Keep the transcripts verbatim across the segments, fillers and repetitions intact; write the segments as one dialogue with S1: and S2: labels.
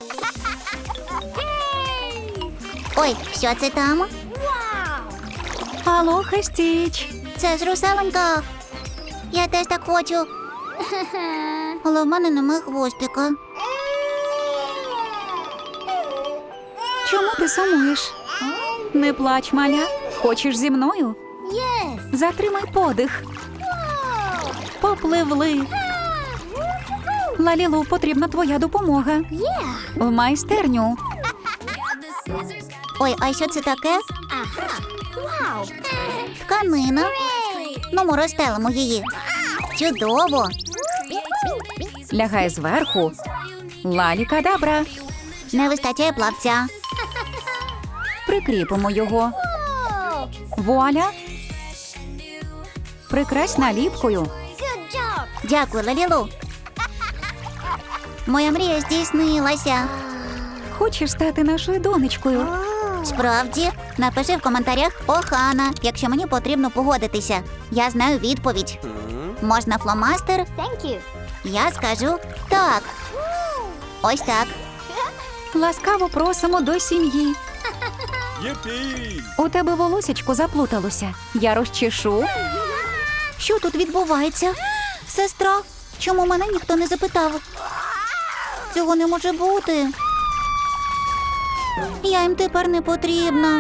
S1: Ой, що це там?
S2: Алоха, Стіч.
S1: Це ж русаленька. Я теж так хочу. Але в мене немає хвостика.
S2: Чому ти сумуєш? Не плач, маля. Хочеш зі мною? Затримай подих. Попливли. Лалілу, потрібна твоя допомога. В майстерню.
S1: Ой, а що це таке? Тканина. Ну, ми розстелимо її. Чудово.
S2: Лягай зверху. Лалі-кадабра.
S1: Не вистачає плавця.
S2: Прикріпимо його. Вуаля. Прикрась наліпкою.
S1: Дякую, Лалілу. Моя мрія здійснилася.
S2: Хочеш стати нашою донечкою?
S1: Справді, напиши в коментарях Охана, якщо мені потрібно погодитися. Я знаю відповідь. Можна фломастер? Я скажу так. Ось так.
S2: Ласкаво просимо до сім'ї.
S3: Yippee!
S2: У тебе волосечко заплуталося. Я розчешу.
S1: Що тут відбувається? Сестра, чому мене ніхто не запитав? Цього не може бути. Я їм тепер не потрібна.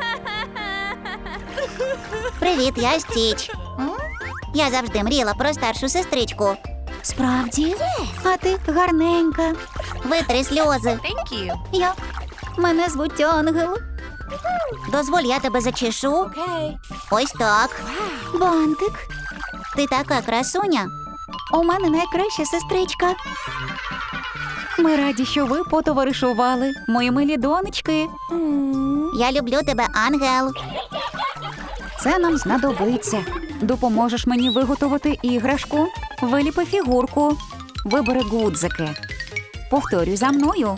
S1: Привіт, я Стіч. Я завжди мріяла про старшу сестричку.
S2: Справді? А ти гарненька.
S1: Витри сльози.
S2: Я. Мене звуть Ангел.
S1: Дозволь, я тебе зачешу. Ось так.
S2: Бантик.
S1: Ти така красуня.
S2: У мене найкраща сестричка. Ми раді, що ви потоваришували, мої милі донечки.
S1: Я люблю тебе, Ангел.
S2: Це нам знадобиться. Допоможеш мені виготовити іграшку? Виліпи фігурку. Вибери гудзики. Повторюй за мною.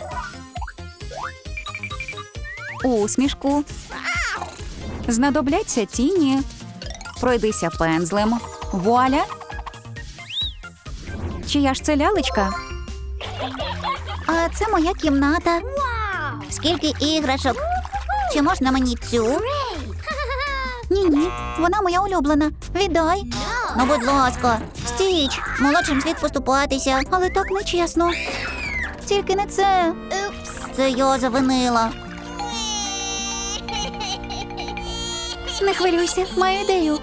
S2: Усмішку. Знадобляться тіні. Пройдися пензлем. Вуаля. Чия ж це лялечка?
S1: А це моя кімната. Скільки іграшок. Чи можна мені цю? Ні-ні, вона моя улюблена. Віддай. Ну, будь ласка. Стіч, молодшим слід поступатися.
S2: Але так нечесно.
S1: Тільки не це. Це я завинила.
S2: Не хвилюйся, маю ідею.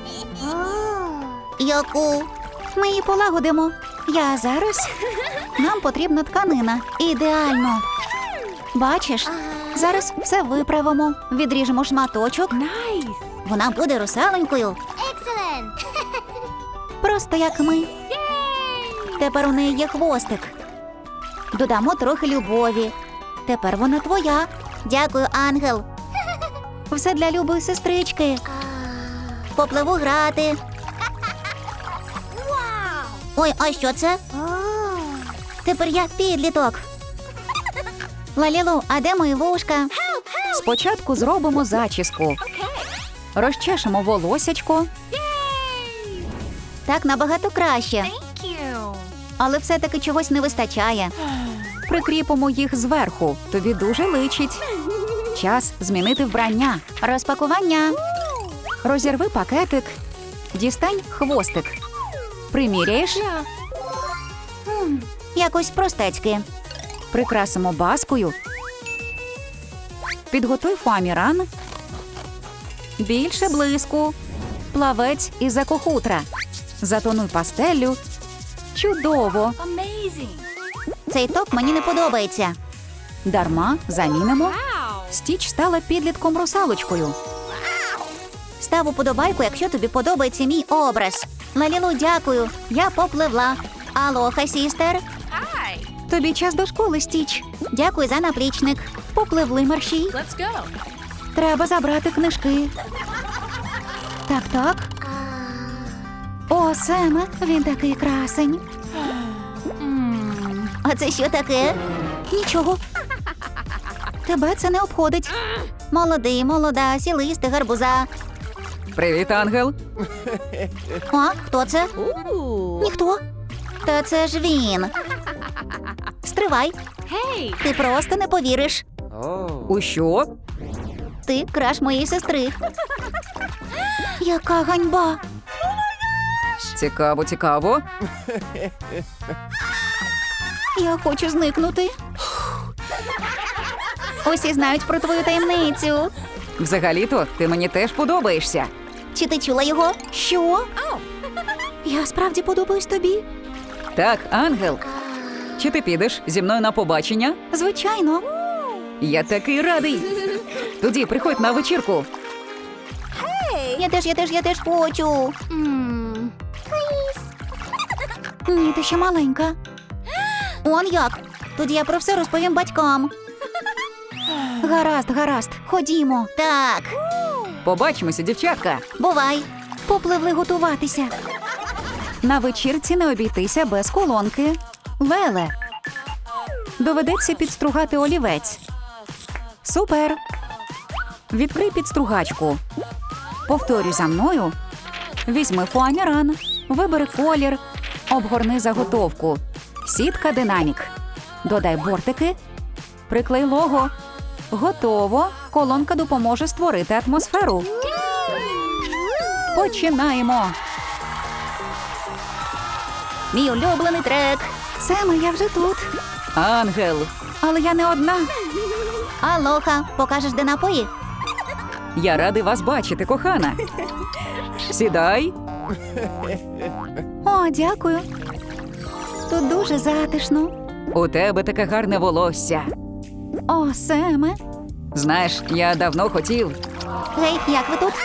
S1: Яку?
S2: Ми її полагодимо. Я зараз. Нам потрібна тканина. Ідеально. Бачиш? Зараз все виправимо. Відріжемо шматочок.
S1: Вона буде русаленькою.
S2: Просто як ми.
S1: Тепер у неї є хвостик. Додамо трохи любові. Тепер вона твоя. Дякую, Ангел.
S2: Все для любої сестрички.
S1: Попливу грати. Ой, а що це? Тепер я підліток. Лалілу, а де мої вушка?
S2: Спочатку зробимо зачіску. Розчешемо волосячко.
S1: Так набагато краще. Але все-таки чогось не вистачає.
S2: Прикріпимо їх зверху. Тобі дуже личить. Час змінити вбрання.
S1: Розпакування.
S2: Розірви пакетик. Дістань хвостик. Приміряєш?
S1: Якось простецьки.
S2: Прикрасимо баскою. Підготуй фоаміран. Більше блиску. Плавець із екохутра. Затонуй пастеллю. Чудово!
S1: Цей топ мені не подобається.
S2: Дарма замінимо. Стіч стала підлітком русалочкою.
S1: Став уподобайку, якщо тобі подобається мій образ. Лалілу, дякую. Я попливла. Алоха, сістер.
S2: Тобі час до школи, Стіч.
S1: Дякую за наплічник.
S2: Попливли мерщій. Треба забрати книжки. Так, так. О, Семе, він такий красень.
S1: А це що таке?
S2: Нічого. Тебе це не обходить.
S1: Молодий, молода, сілисти, гарбуза.
S2: Привіт, Ангел.
S1: А, хто це?
S2: Ніхто.
S1: Та це ж він. Стривай. Ти просто не повіриш.
S3: Oh.
S2: У що?
S1: Ти краш моєї сестри. Яка ганьба.
S2: Цікаво, цікаво.
S1: Я хочу зникнути. Усі знають про твою таємницю.
S2: Взагалі-то ти мені теж подобаєшся.
S1: Чи ти чула його? Що? Я справді подобаюсь тобі?
S2: Так, ангел. Чи ти підеш зі мною на побачення?
S1: Звичайно.
S2: Я такий радий. Тоді приходь на вечірку.
S1: Я теж, я теж, я теж хочу. Ні, ти ще маленька. Он як? Тоді я про все розповім батькам. Гаразд, гаразд, ходімо. Так,
S2: Побачимося, дівчатка.
S1: бувай. Попливли готуватися.
S2: На вечірці не обійтися без колонки. Леле. Доведеться підстругати олівець. Супер. Відкрий підстругачку. Повторюй за мною. Візьми фоаміран. Вибери колір. Обгорни заготовку. Сітка динамік. Додай бортики. Приклей лого. Готово. Колонка допоможе створити атмосферу. Починаємо.
S1: Мій улюблений трек.
S2: Саме, я вже тут. Ангел. Але я не одна.
S1: Алоха, покажеш, де напої?
S2: Я радий вас бачити, кохана. Сідай.
S1: О, дякую. Тут дуже затишно.
S2: У тебе таке гарне волосся.
S1: О, Семе.
S2: Знаєш, я давно хотів.
S1: Гей, як ви тут?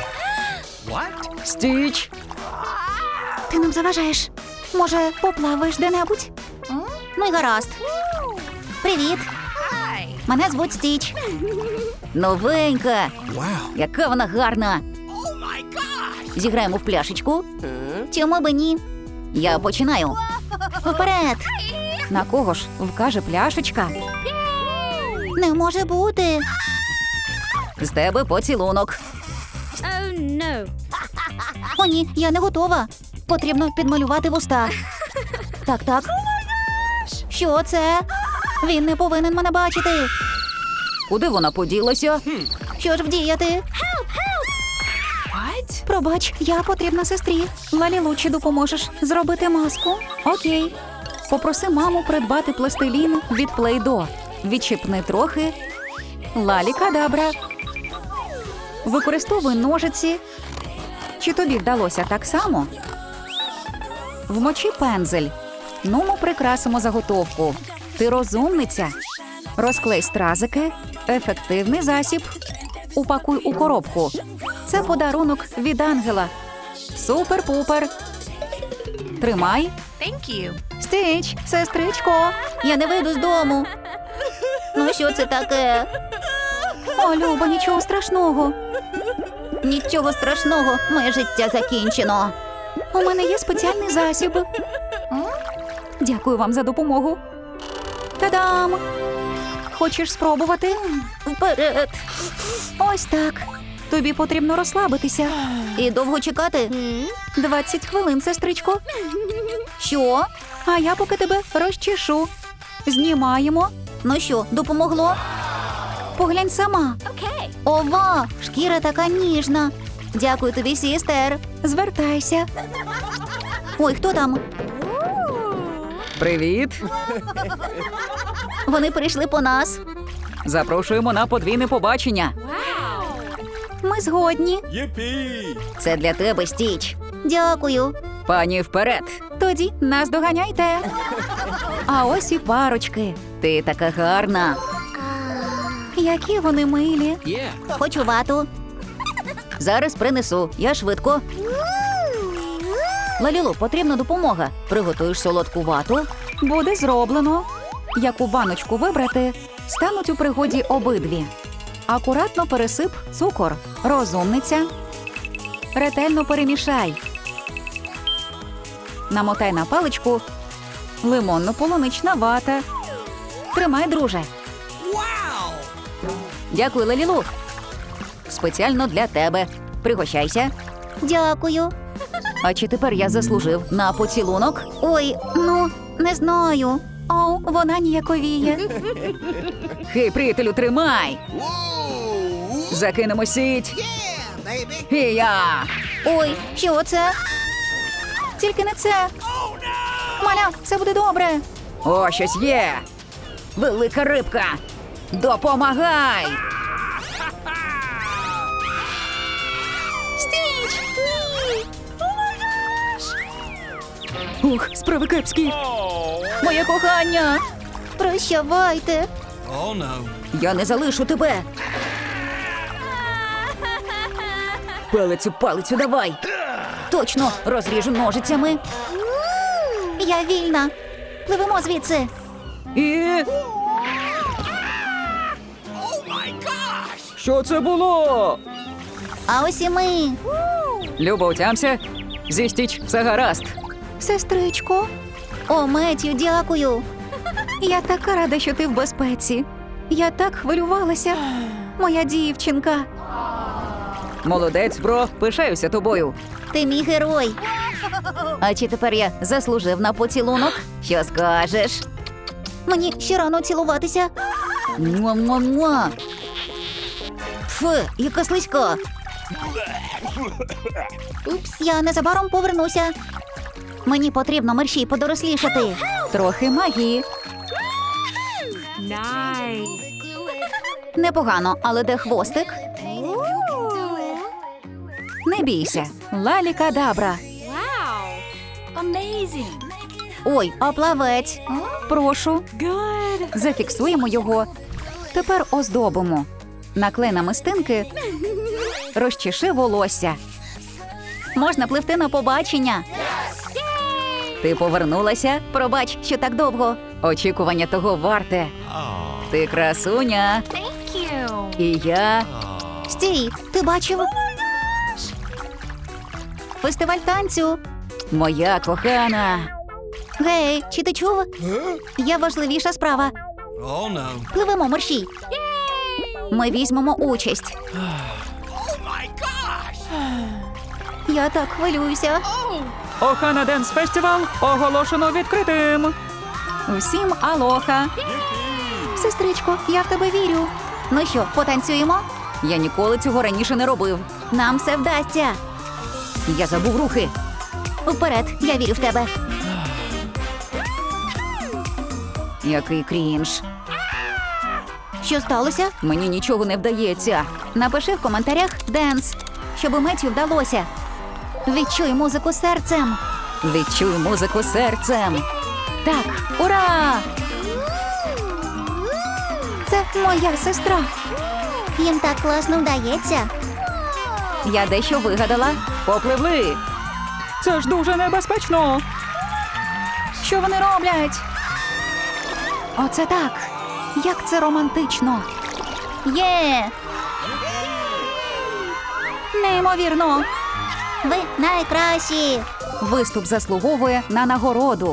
S2: Стіч.
S1: Ти нам заважаєш. Може, поплаваєш де-небудь? Ну й гаразд. Привіт. Мене звуть Стіч. Новенька. Яка вона гарна. Зіграємо в пляшечку. Чому би ні? Я починаю. Вперед.
S2: На кого ж вкаже пляшечка?
S1: Не може бути.
S2: З тебе поцілунок.
S1: О, ні, я не готова. Потрібно підмалювати вуста. Так, так. Що це? Він не повинен мене бачити.
S2: Куди вона поділася?
S1: Що ж вдіяти? Пробач, я потрібна сестрі.
S2: Лалілу, чи допоможеш зробити маску? Окей. Попроси маму придбати пластилін від Play-Doh. Відчіпни трохи. Лалі кадабра. Використовуй ножиці. Чи тобі вдалося так само? Вмочи пензель. Ну, ми прикрасимо заготовку. Ти розумниця. Розклей стразики. Ефективний засіб. Упакуй у коробку. Це подарунок від ангела. Супер-пупер. Тримай.
S1: Стіч, сестричко, я не вийду з дому. Ну що це таке?
S2: О, Люба, нічого страшного.
S1: Нічого страшного, моє життя закінчено.
S2: У мене є спеціальний засіб. Дякую вам за допомогу. Та-дам! Хочеш спробувати?
S1: Вперед.
S2: Ось так. Тобі потрібно розслабитися.
S1: І довго чекати?
S2: двадцять хвилин, сестричко.
S1: Що?
S2: А я поки тебе розчешу. Знімаємо.
S1: Ну що, допомогло?
S2: Поглянь сама.
S1: Ова, шкіра така ніжна. Дякую тобі, сістер.
S2: Звертайся.
S1: Ой, хто там?
S2: Привіт.
S1: Вони прийшли по нас.
S2: Запрошуємо на подвійне побачення. Ми згодні.
S3: Yippee!
S1: Це для тебе, Стіч. Дякую.
S2: Пані, вперед. Тоді нас доганяйте. А ось і парочки.
S1: Ти така гарна.
S2: Які вони милі.
S1: Хочу вату. Зараз принесу, я швидко. Лалілу, потрібна допомога. Приготуєш солодку вату.
S2: Буде зроблено. Яку баночку вибрати, стануть у пригоді обидві. Акуратно пересип цукор. Розумниця. Ретельно перемішай. Намотай на паличку лимонно-полунична вата. Тримай, друже.
S1: Дякую, Лалілу. Спеціально для тебе. Пригощайся. Дякую.
S2: А чи тепер я заслужив на поцілунок?
S1: Ой, ну, не знаю.
S2: О, вона ніяковіє. Хей, приятелю, тримай! Закинемо сіть. І я.
S1: Ой, що це? Тільки не це. Маля, все буде добре.
S2: О, щось є. Велика рибка. Допомагай!
S1: Стіч! Ні!
S2: Ух, справи кепські. Моє кохання.
S1: Прощавайте.
S3: Oh no.
S2: Я не залишу тебе. Палець у палицю давай. Точно, розріжу ножицями.
S1: Я вільна. Пливемо звідси.
S2: І... Що це було?
S1: А ось і ми.
S2: Люба, утямся. Зі Стіч все гаразд.
S1: Сестричко. О, Меттю, дякую.
S2: Я така рада, що ти в безпеці. Я так хвилювалася. Моя дівчинка. Молодець, бро, пишаюся тобою.
S1: Ти мій герой.
S2: А чи тепер я заслужив на поцілунок? Що скажеш?
S1: Мені ще рано цілуватися.
S2: Муа-муа-муа. Фу, яка слизька.
S1: Я незабаром повернуся. Мені потрібно мерщій подорослішати.
S2: Трохи магії. Непогано, але де хвостик? Не бійся. Лалі-кадабра.
S1: Ой, а плавець.
S2: Прошу. Зафіксуємо його. Тепер оздобимо. Наклей на мистинки. Розчеши волосся.
S1: Можна пливти на побачення.
S2: Ти повернулася? Пробач, що так довго. Очікування того варте. Ти красуня. І я.
S1: Стій, ти бачив? Фестиваль танцю.
S2: Моя кохана.
S1: Гей, чи ти чув? Є важливіша справа.
S3: Oh no.
S1: Пливемо мерщій. Ми візьмемо участь. Я так хвилююся.
S2: Охана Денс Фестивал оголошено відкритим. Всім алоха.
S1: Сестричко, я в тебе вірю. Ну що, потанцюємо?
S2: Я ніколи цього раніше не робив.
S1: Нам все вдасться.
S2: Я забув рухи.
S1: Вперед, я вірю в тебе.
S2: Який крінж.
S1: Що сталося?
S2: Мені нічого не вдається.
S1: Напиши в коментарях «Денс», щоб Меттю вдалося. Відчуй музику серцем.
S2: Відчуй музику серцем. Так, ура!
S1: Це моя сестра. Їм так класно вдається.
S2: Я дещо вигадала. Попливли. Це ж дуже небезпечно. Що вони роблять? Оце так. Як це романтично.
S1: Є!
S2: Неймовірно.
S1: Ви найкращі!
S2: Виступ заслуговує на нагороду.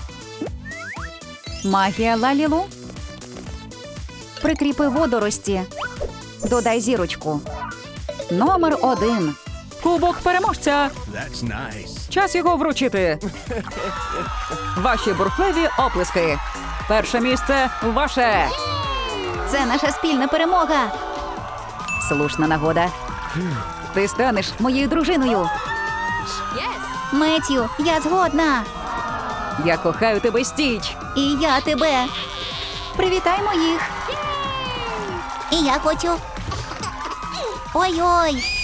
S2: Магія Лалілу. Прикріпи водорості. Додай зірочку. Номер один. Кубок переможця.
S3: That's nice.
S2: Час його вручити. Ваші бурхливі оплески. Перше місце ваше.
S1: Це наша спільна перемога.
S2: Слушна нагода. Ти станеш моєю дружиною.
S1: Меттю, я згодна.
S2: Я кохаю тебе, Стіч.
S1: І я тебе.
S2: Привітаймо їх.
S1: І я хочу. Ой-ой.